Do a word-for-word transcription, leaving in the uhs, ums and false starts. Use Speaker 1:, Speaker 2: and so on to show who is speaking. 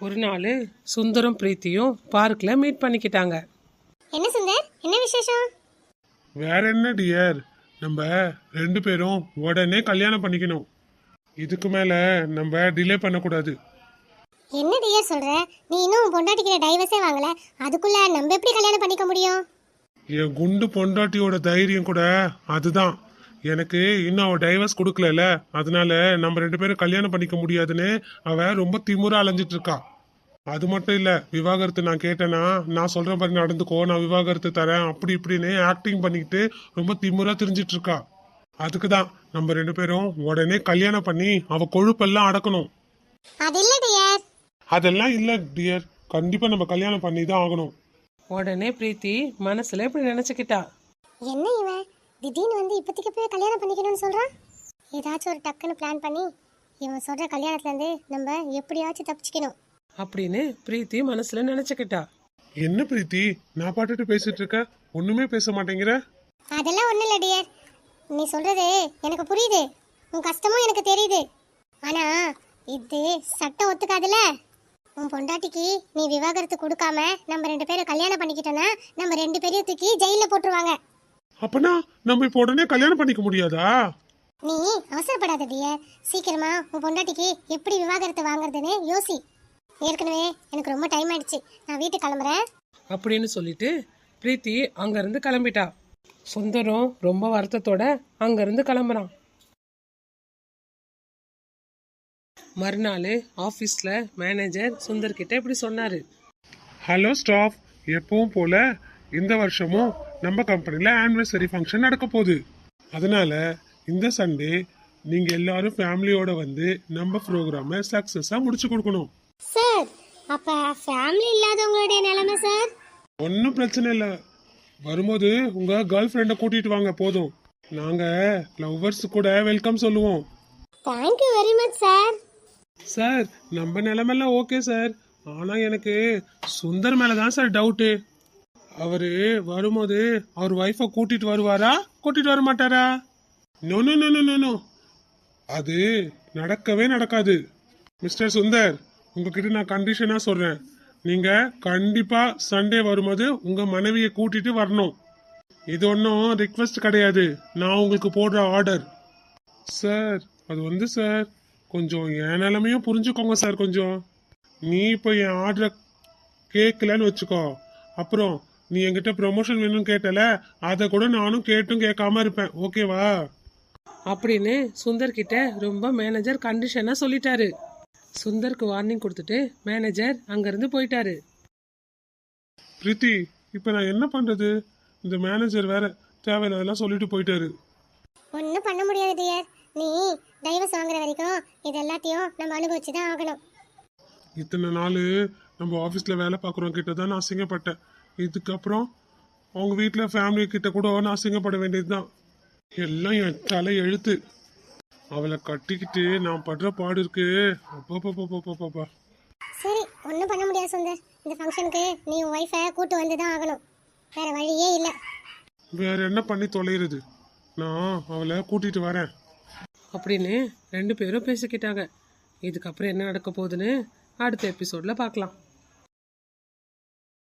Speaker 1: ஒரு நாள் சுந்தரம் பிரீத்தியும் பார்க்கில் மீட் பண்ணிக்கிட்டாங்க.
Speaker 2: என்ன சுந்தர், என்ன விசேஷம்?
Speaker 3: வேற என்ன டியர், நம்ம ரெண்டு பேரும் உடனே கல்யாணம் பண்ணிக்கணும். இதுக்கு மேல நம்ம டிலே பண்ணக்கூடாது.
Speaker 2: என்ன டியர் சொல்ற? நீ இன்னும் பொண்டாட்டிக்கிற டைவர்ஸே வாங்கல, அதுக்குள்ள நம்ம எப்படி கல்யாணம் பண்ணிக்க முடியும்?
Speaker 3: என் குண்டு பொண்டாட்டியோட தைரியம் கூட அதுதான். எனக்கு இன்னும் அவ டைவர்ஸ் கொடுக்கல, அதனால நம்ம ரெண்டு பேரும் கல்யாணம் பண்ணிக்க முடியாதுன்னு அவ ரொம்ப திமுறா அலைஞ்சிட்டு இருக்கா. அது மட்டும் இல்ல, விவாகரத்து நான் கேட்டேன்னா நான் சொல்ற மாதிரி நடந்துக்கோ, நான் விவாகரத்து தரேன் அப்படி இப்படின்னு ஆக்டிங் பண்ணிக்கிட்டு ரொம்ப திமுறா தெரிஞ்சிட்டு இருக்கா. அதுக்குதான் நம்ம ரெண்டு பேரும் உடனே கல்யாணம் பண்ணி அவ கொழுப்பெல்லாம் அடக்கணும்.
Speaker 2: அது இல்ல டியர்.
Speaker 3: அதெல்லாம் இல்ல டியர், கண்டிப்பா நம்ம கல்யாணம் பண்ணி தான் ஆகணும்.
Speaker 1: உடனே பிரீத்தி மனசுல இப்படி நினைச்சுக்கிட்டா.
Speaker 2: என்ன இவன் திடீர்னு வந்து இப்போதைக்கு போய் கல்யாணம் பண்ணிக்கணும்னு சொல்றான்? ஏதாச்சும் ஒரு டக்குன்னு பிளான் பண்ணி இவன் சொல்ற கல்யாணத்துல இருந்து நம்ம எப்படியாச்சும் தப்பிச்சுக்கணும்
Speaker 1: அப்படின்னு பிரீத்தி மனசுல நினைச்சுக்கிட்டா.
Speaker 3: என்ன பிரீத்தி, நான் பாட்டுட்டு பேசிட்டு இருக்க, ஒண்ணுமே பேச மாட்டேங்கிற?
Speaker 2: அதெல்லாம் ஒண்ணும் இல்ல டியர், நீ சொல்றது எனக்கு புரியுது, உன் கஷ்டமும் எனக்கு தெரியுது. ஆனா இது சட்டம் ஒத்துக்காதுல. உன் பொண்டாட்டிக்கு நீ விவாகரத்து கொடுக்காம நம்ம ரெண்டு பேரும் கல்யாணம் பண்ணிக்கிட்டோன்னா நம்ம ரெண்டு பேரையும் தூக்கி ஜெயில போட்டுருவாங்க.
Speaker 3: அப்பனா நம்ம இப்ப உடனே கல்யாணம் பண்ணிக்க முடியாதா?
Speaker 2: நீ அவசரப்படாத டியர், சீக்கிரமா உன் பொண்டாட்டிக்கு எப்படி விவாகரத்து வாங்குறதுன்னு யோசி. ஏற்கனவே எனக்கு ரொம்ப டைம் ஆயிடுச்சு, நான் வீட்டுக்கு கிளம்புறேன்
Speaker 1: அப்படின்னு சொல்லிட்டு பிரீத்தி அங்கிருந்து கிளம்பிட்டா. சுந்தரம் ரொம்ப வருத்தத்தோட அங்கிருந்து கிளம்புறான். மறுநாள் ஆபீஸ்ல மேனேஜர் சுந்தர் கிட்ட இப்படி சொன்னாரு.
Speaker 3: ஹலோ ஸ்டாஃப், எப்பவும் போல இந்த வருஷமும் நம்ம கம்பெனில ஆனிவர்சரி ஃபங்க்ஷன் நடக்க போகுது. அதனால இந்த சண்டே நீங்க எல்லாரும் ஃபேமிலியோட வந்து நம்ம ப்ரோக்ராமை சக்சஸா முடிச்சு கொடுக்கணும்.
Speaker 2: சார். அப்ப ஃபேமிலி இல்லாதவங்களுடைய நிலைமை சார்?
Speaker 3: ஒன்றும் பிரச்சனை இல்லை, வரும்போது உங்க கேர்ள் ஃப்ரெண்டை கூட்டிட்டு வாங்க போதும். நாங்க லவ்வர்ஸ் கூட வெல்கம் சொல்லுவோம்.
Speaker 2: Thank you very much sir.
Speaker 3: Sir நம்ம நிலைமெல்லாம் ஓகே சார், ஆனா எனக்கு சுந்தர் மேலதான் சார் டவுட்டு. அவரு வரும்போது அவர் ஒய்ஃபை கூட்டிட்டு வருவாரா, கூட்டிட்டு வர மாட்டாரா? No no no no no, அது நடக்கவே நடக்காது. மிஸ்டர் சுந்தர், உங்ககிட்ட நான் கண்டிஷனா சொல்றேன், நீங்க கண்டிப்பா சண்டே வரும்போது உங்க மனைவியை கூட்டிட்டு வரணும். இது ஒன்றும் ரிக்வெஸ்ட் கிடையாது, நான் உங்களுக்கு போடுற ஆர்டர். சார் அது வந்து சார் கொஞ்சம் என் நிலைமையும் புரிஞ்சுக்கோங்க சார். கொஞ்சம் நீ இப்போ என் ஆர்டரை கேட்கலன்னு வச்சுக்கோ, அப்புறம் நீ என்கிட்ட ப்ரொமோஷன் வேணும்னு கேட்டல, அதை கூட நானும் கேட்டும் கேட்காம இருப்பேன், ஓகேவா?
Speaker 1: அப்படின்னு சுந்தர் கிட்ட ரொம்ப மேனேஜர் கண்டிஷனா சொல்லிட்டாரு. சுந்தருக்கு வார்னிங் கொடுத்துட்டு மேனேஜர் அங்கிருந்து போயிட்டாரு.
Speaker 3: பிரீத்தி, இப்போ நான் என்ன பண்றது? இந்த மேனேஜர் வேற தேவையில்லாதெல்லாம் சொல்லிட்டு போயிட்டாரு.
Speaker 2: ஒன்றும் பண்ண முடியாது டியர், நீ டைவர்ஸ் வாங்குற வரைக்கும் இது எல்லாத்தையும் நம்ம அனுபவிச்சு தான் ஆகணும்.
Speaker 3: இத்தனை நாள் நம்ம ஆஃபீஸில் வேலை பார்க்குறவங்க கிட்ட தான் நான் அசிங்கப்பட்டேன். இதுக்கப்புறம் அவங்க வீட்டில் ஃபேமிலி கிட்ட கூட நான் அசிங்கப்பட வேண்டியது தான். எல்லாம் என் தலை எழுத்து. அவளை கட்டிக்கிட்டு நான் படுற பாடு இருக்கு. அப்பா.
Speaker 2: சரி, ஒன்றும் பண்ண முடியாது சுந்தர், இந்த ஃபங்க்ஷனுக்கு நீ உன் ஒய்ஃபை கூட்டு வந்து தான் ஆகணும், வேற வழியே இல்லை.
Speaker 3: வேற என்ன பண்ணி தொலைகிறது, நான் அவளை கூட்டிட்டு வரேன்
Speaker 1: அப்படின்னு ரெண்டு பேரும் பேசிக்கிட்டாங்க. இதுக்கப்புறம் என்ன நடக்க போகுதுன்னு அடுத்த எபிசோட்ல பார்க்கலாம்.